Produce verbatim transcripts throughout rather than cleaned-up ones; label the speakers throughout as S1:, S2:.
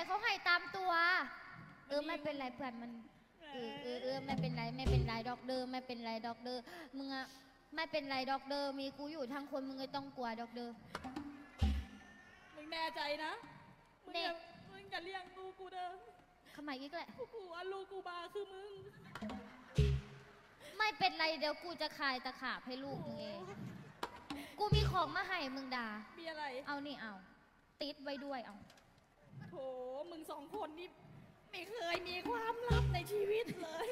S1: เขาให้ตามตัวเออไม่เป็นไรเพื่อนมันเออเออเออไม่เป็นไรไม่เป็นไรดอกเดอร์ไม่เป็นไรดอกเดอร์มึงอะไม่เป็นไรดอกเดอร์มีกูอยู่ทั้งคนมึงไม่ต้องกลัวดอกเดอร์
S2: มึงแน่ใจนะมึงอย่ามึงอย่าเลี้ยงลูกกูเด้อ
S1: ทำไมอีกแหละ
S2: กูอันลูกกูบาคือมึง
S1: ไม่เป็นไรเดี๋ยวกูจะคายตะขาบให้ลูกมึงเองกูมีของมาให้มึงด่า
S2: มีอะไร
S1: เอานี่เอาติดไว้ด้วยเอา
S2: โถมึงสองคนนี่ไม่เคยมีความลับในชีวิตเลย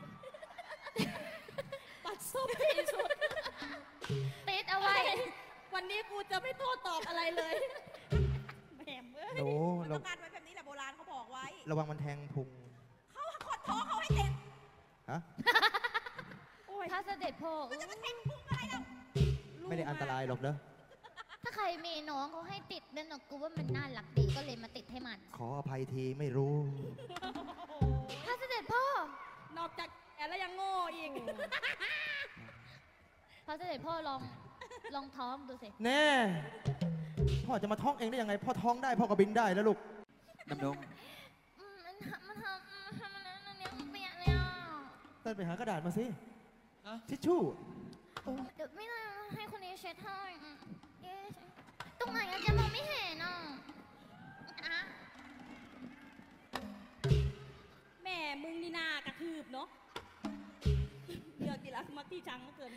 S2: ปัดซบที่สุด
S1: ติดเอาไว้
S2: วันนี้กูจะไม่โต้ตอบอะไรเลยแหมเอ้ย
S3: โอ้
S4: ต้องการไว้แบบนี้แหละโบราณเขาบอกไว้
S3: ระวังมันแทงพุง
S4: เขาขดท้องเขาให้เด็ก
S3: ฮะ
S1: ถ้าเสด็จพ่อ
S4: จะมาแทงพุงอะไรเรา
S3: ไม่ได้อันตรายหรอกเนอะ
S1: ถ้าใครมีน้องเขาให้ติดนั่นนะกูว่ามันน่ารักดีก็เลยมาติดให้มัน
S3: ขออภัยทีไม่รู้
S1: ถ้าเสด็จพ่อน
S2: อกจากแก่แล้วยังโง่อีก
S1: พระเสด็จพ่อลองลองท้องดูสิ
S3: แน่พ่อจะมาท้องเองได้ยังไงพ่อท้องได้พ่อก็บินได้แล้วลูก
S5: ดำดง
S1: มันมันทำทำอะไรนั่นเนี่ยมันเปียกเลยอ่ะ
S3: เต้นไปหากระดาษมาสิทิชชู่
S1: เดี๋ยวไม่ได้ให้คนนี้เช็ดให้ตรงไหนอะจะมองไม่เห็นอ่ะ
S2: แม่มึงนี่นากระทืบเนาะเดี๋ยวกีฬามาที่จังเกิน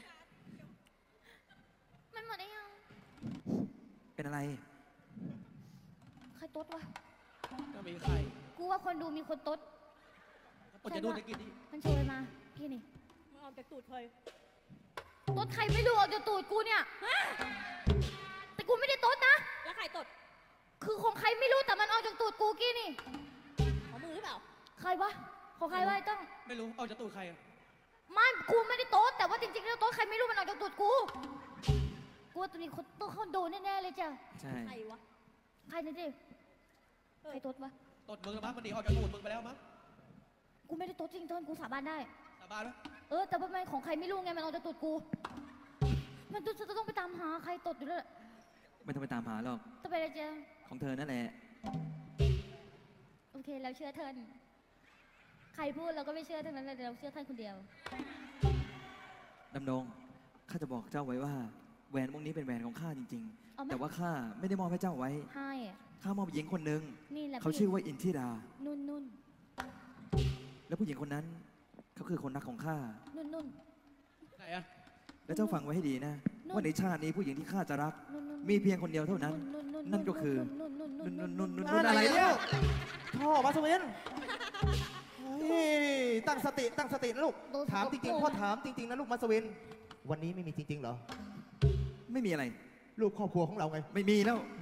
S1: มันหมดได้ยัง
S5: เป็นอะไร
S1: ใครต๊ดวะ
S6: ก็มีใคร
S1: กูว่าคนดูมีคนต๊ด
S6: ก็จะดูตะกี้นี่
S1: มันโชยมาพี่นี่
S2: มันออกจากตูดเคย
S1: ต๊ดใครไม่รู้ออกจากตูดกูเนี่ยแต่กูไม่ได้ต๊ดนะ
S2: แล้วใครตด
S1: คือของใครไม่รู้แต่มันออกจากตูดกูกี้นี่
S2: ของมึงหรือเปล่า
S1: ใครวะของใครวะไอ้ต้อง
S6: ไม่รู้ออกจากตูดใครอะ
S1: มันกูไม่ได้โต๊ดแต่ว่าจริงๆแล้วโต๊ดใครไม่รู้มันออกจากตูดกูกูว่าตัวนี้คนต้องเขาโดนแน่ๆเลยจ้ะ
S5: ใช่
S2: ใครวะ
S1: ใครนี่ดิใครโต๊ดวะ
S6: ตดมึงแล้วมั้งมันหนีออกจากตูดมึงไปแล้วมั้ง
S1: กูไม่ได้โต๊ดจริงเติ้ลกูสาบานได้
S6: สาบานไหม
S1: เออแต่ว่ามันของใครไม่รู้ไงมันออกจากตูดกูมันต้องจะต้องไปตามหาใครตดอยู่เลย
S5: ไม่ต้องไปตามหาหรอก
S1: ต้องไปอะไรเจ้า
S5: ของเธอนั่นแหละ
S1: โอเคเราเชื่อเทินใครพูดเราก็ไม่เชื่อทั้งนั้นเลยเราเชื่อท่านคนเดียว
S5: ดำดงข้าจะบอกเจ้าไว้ว่าแหวนวงนี้เป็นแหวนของข้าจริงๆแต่ว่าข้าไม่ได้มอบให้เจ้าไว้
S1: ให้
S5: ข้ามอบหญิงคนหนึ่ง
S1: นี่แหละ
S5: เขาชื่อว่าอินทิรา
S1: นุ่นนุ่น
S5: แล้วผู้หญิงคนนั้นเขาคือคนรักของข้า
S1: นุ่นนุ่น
S6: ไหนอะ
S5: แล้วเจ้าฟังไว้ให้ดีนะว่าในชาตินี้ผู้หญิงที่ข้าจะรักมีเพียงคนเดียวเท่านั้นนั่นก็คือนุ่นนุ่นนุ่นนุ่นนุ่น
S3: อะไรเนี่ยพ่อมาสเวนตั้งสติตั้งสตินะลูกถามจริงๆพ่อถามจริงๆนะลูกมาสเวนวันนี้ไม่มีจริงๆเหรอ
S5: ไม่มีอะไร
S3: ลูกครอบครัวของเราไง
S5: ไม่มีแล้ว